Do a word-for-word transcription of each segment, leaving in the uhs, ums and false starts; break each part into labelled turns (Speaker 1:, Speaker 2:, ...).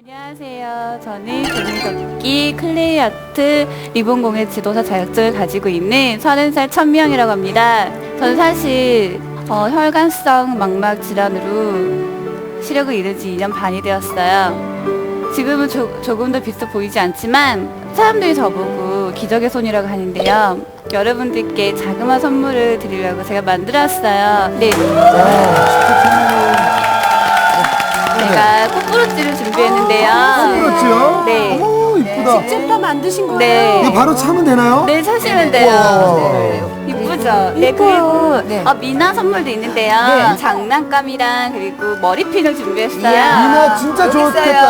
Speaker 1: 안녕하세요. 저는 종이접기, 클레이 아트, 리본 공예 지도사 자격증을 가지고 있는 서른 살 천명이라고 합니다. 저는 사실 어, 혈관성 망막 질환으로 시력을 잃은 지 이 년 반이 되었어요. 지금은 조, 조금 더 비슷해 보이지 않지만 사람들이 저보고 기적의 손이라고 하는데요. 여러분들께 자그마한 선물을 드리려고 제가 만들었어요. 네. 제가 꽃부러지를 준비했는데요.
Speaker 2: 꽃부러지요?
Speaker 1: 네.
Speaker 2: 오, 이쁘다.
Speaker 3: 직접 다 만드신 거예요?
Speaker 1: 네.
Speaker 2: 이거 바로 차면 되나요?
Speaker 1: 네, 차시면 돼요. 네. 이쁘죠? 네, 그리고
Speaker 3: 네.
Speaker 1: 어, 미나 선물도 있는데요.
Speaker 3: 네.
Speaker 1: 장난감이랑 그리고 머리핀을 준비했어요.
Speaker 2: 미나 진짜 좋겠다.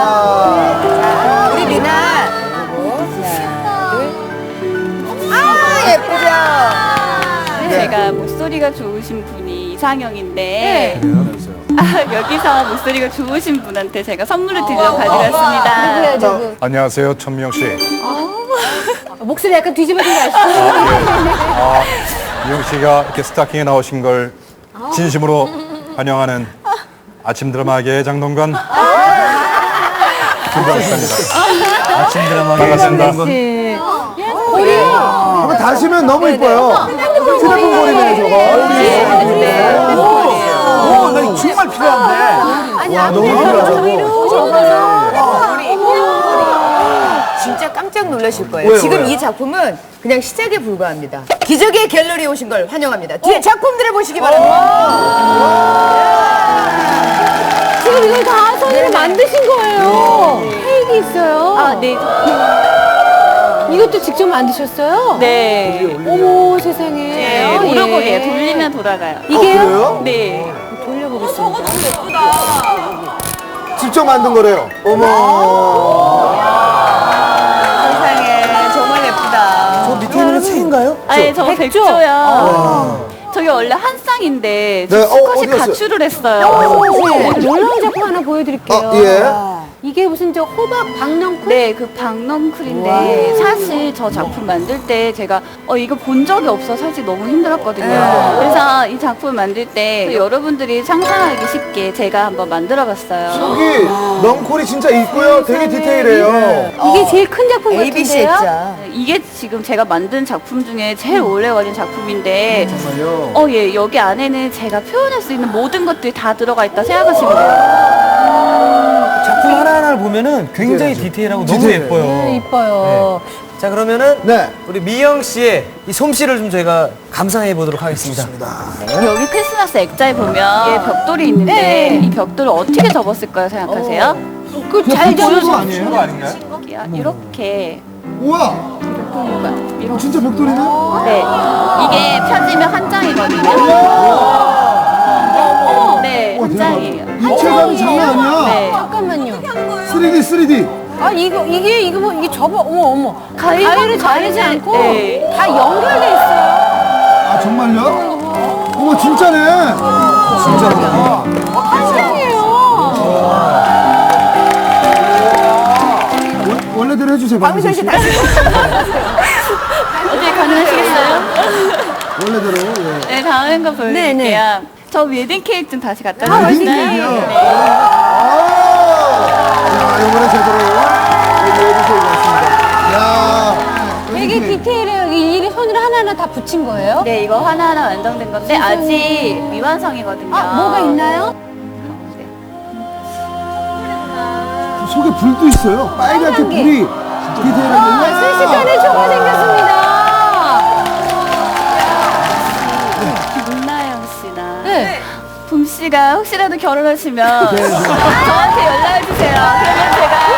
Speaker 2: 와.
Speaker 3: 우리 미나. 하나, 둘. 아, 예쁘죠?
Speaker 1: 제가 목소리가 좋으신 분이 이상형인데
Speaker 3: 네.
Speaker 1: 아, 여기서 목소리가 좋으신 분한테 제가 선물을 드리려고 가져갔습니다.
Speaker 3: 누구야, 누구?
Speaker 4: 안녕하세요, 천명 씨.
Speaker 3: 목소리 약간 뒤집어진 거 아시죠?
Speaker 4: 아, 미영 씨가 이렇게 스타킹에 나오신 걸 진심으로 환영하는 아침 드라마계의 장동건 김광수입니다. 아침 드라마계의 반갑습니다.
Speaker 2: 한번 다시면 너무 이뻐요. 휴대폰 거리네, 저거. 오, 나 이거 정말 필요한데. 와, 너무 필요하다고.
Speaker 3: 진짜 깜짝 놀라실 거예요.
Speaker 2: 왜요,
Speaker 3: 지금
Speaker 2: 왜요?
Speaker 3: 이 작품은 그냥 시작에 불과합니다. 기적의 갤러리에 오신 걸 환영합니다. 뒤에 작품들을 보시기 바랍니다. 지금 이걸 다 손으로 만드신 거예요. 케이크 있어요.
Speaker 1: 아, 네.
Speaker 3: 이것도 직접 만드셨어요?
Speaker 1: 네.
Speaker 3: 어머, 세상에.
Speaker 1: 네,
Speaker 3: 어, 예.
Speaker 1: 오르골이에요. 돌리면 돌아가요.
Speaker 3: 이게요?
Speaker 2: 그래요?
Speaker 1: 네.
Speaker 3: 돌려보겠습니다.
Speaker 2: 직접 만든 거래요. 어머.
Speaker 1: 세상에 정말 예쁘다.
Speaker 2: 저 밑에 있는 게 책인가요?
Speaker 1: 아니, 저
Speaker 3: 백조?
Speaker 1: 백조요. 저게 원래 한 쌍인데
Speaker 2: 네, 어,
Speaker 1: 수컷이
Speaker 2: 어디 갔어요?
Speaker 1: 가출을 했어요.
Speaker 3: 네, 놀라운 작품 하나 보여드릴게요.
Speaker 2: 어, 예.
Speaker 3: 이게 무슨 저 호박 박넝쿨?
Speaker 1: 네, 그 박넝쿨인데 사실 저 작품 만들 때 제가 어 이거 본 적이 없어 사실 너무 힘들었거든요. 그래서 이 작품 만들 때 여러분들이 상상하기 쉽게 제가 한번 만들어봤어요.
Speaker 2: 여기 넝콜이 진짜 있고요. 되게 디테일해요.
Speaker 3: 이게 제일 큰 작품 같은데요?
Speaker 5: 에이비씨 했죠.
Speaker 1: 이게 지금 제가 만든 작품 중에 제일 오래 걸린 작품인데
Speaker 2: 정말요?
Speaker 1: 어 예 여기 안에는 제가 표현할 수 있는 모든 것들이 다 들어가 있다 생각하시면 돼요.
Speaker 5: 작품 하나하나를 보면은 굉장히 디테일하고 너무
Speaker 2: 디테일해.
Speaker 5: 예뻐요.
Speaker 3: 네, 이뻐요.
Speaker 5: 자, 그러면은
Speaker 2: 네.
Speaker 5: 우리 미영 씨의 이 솜씨를 좀 저희가 감상해 보도록 하겠습니다.
Speaker 1: 여기 크리스마스 액자에 보면 예, 벽돌이 있는데 이 벽돌을 어떻게 접었을 거예요 생각하세요?
Speaker 3: 그잘
Speaker 2: 보여준 거
Speaker 3: 잡으신
Speaker 2: 아니에요?
Speaker 5: 거 아닌가요?
Speaker 1: 이렇게
Speaker 2: 우와.
Speaker 1: 이렇게
Speaker 2: 진짜 벽돌이네?
Speaker 1: 네 이게 펴지면 한 장이거든요. 네 한 장이에요.
Speaker 2: 입체감이 장난 아니야.
Speaker 1: 네
Speaker 3: 잠깐만요.
Speaker 2: 쓰리디, 쓰리디.
Speaker 3: 아 이거 이게 이거 뭐 이게 접어 어머 어머
Speaker 1: 가위
Speaker 3: 가위를 자르지
Speaker 1: 가위는-
Speaker 3: 않고
Speaker 1: 네.
Speaker 3: 다 연결돼 있어요.
Speaker 2: 아, 정말요? 어머, 진짜네. 진짜로.
Speaker 3: 한장이에요.
Speaker 2: 원래대로 해주세요, 박미선 씨.
Speaker 1: 어떻게 가능하시겠어요?
Speaker 2: 원래대로. 예.
Speaker 1: 네 다음 거 보여드릴게요.
Speaker 3: 네, 네.
Speaker 1: 저 웨딩 케이크 좀 다시 갖다
Speaker 2: 웨딩
Speaker 1: 주시나요?
Speaker 2: 케이크요?
Speaker 1: 네.
Speaker 2: 아! 자, 이번에 제대로 얘기해 주시기 바랍니다. 야
Speaker 3: 되게 디테일해요. 일일이 손으로 하나하나 다 붙인 거예요?
Speaker 1: 네 이거 하나하나 완성된 건데 아직 미완성이거든요.
Speaker 3: 아 뭐가 있나요?
Speaker 2: 속에 불도 있어요. 빨갛게
Speaker 3: 빨간 게.
Speaker 2: 불이 디테일하게.
Speaker 3: 아, 순식간에 초가 생겼습니다.
Speaker 1: 김나영 씨나
Speaker 3: 네.
Speaker 1: 봄 씨가 혹시라도 결혼하시면
Speaker 2: 네, 네.
Speaker 1: 저한테 연락해 주세요. 그러면 제가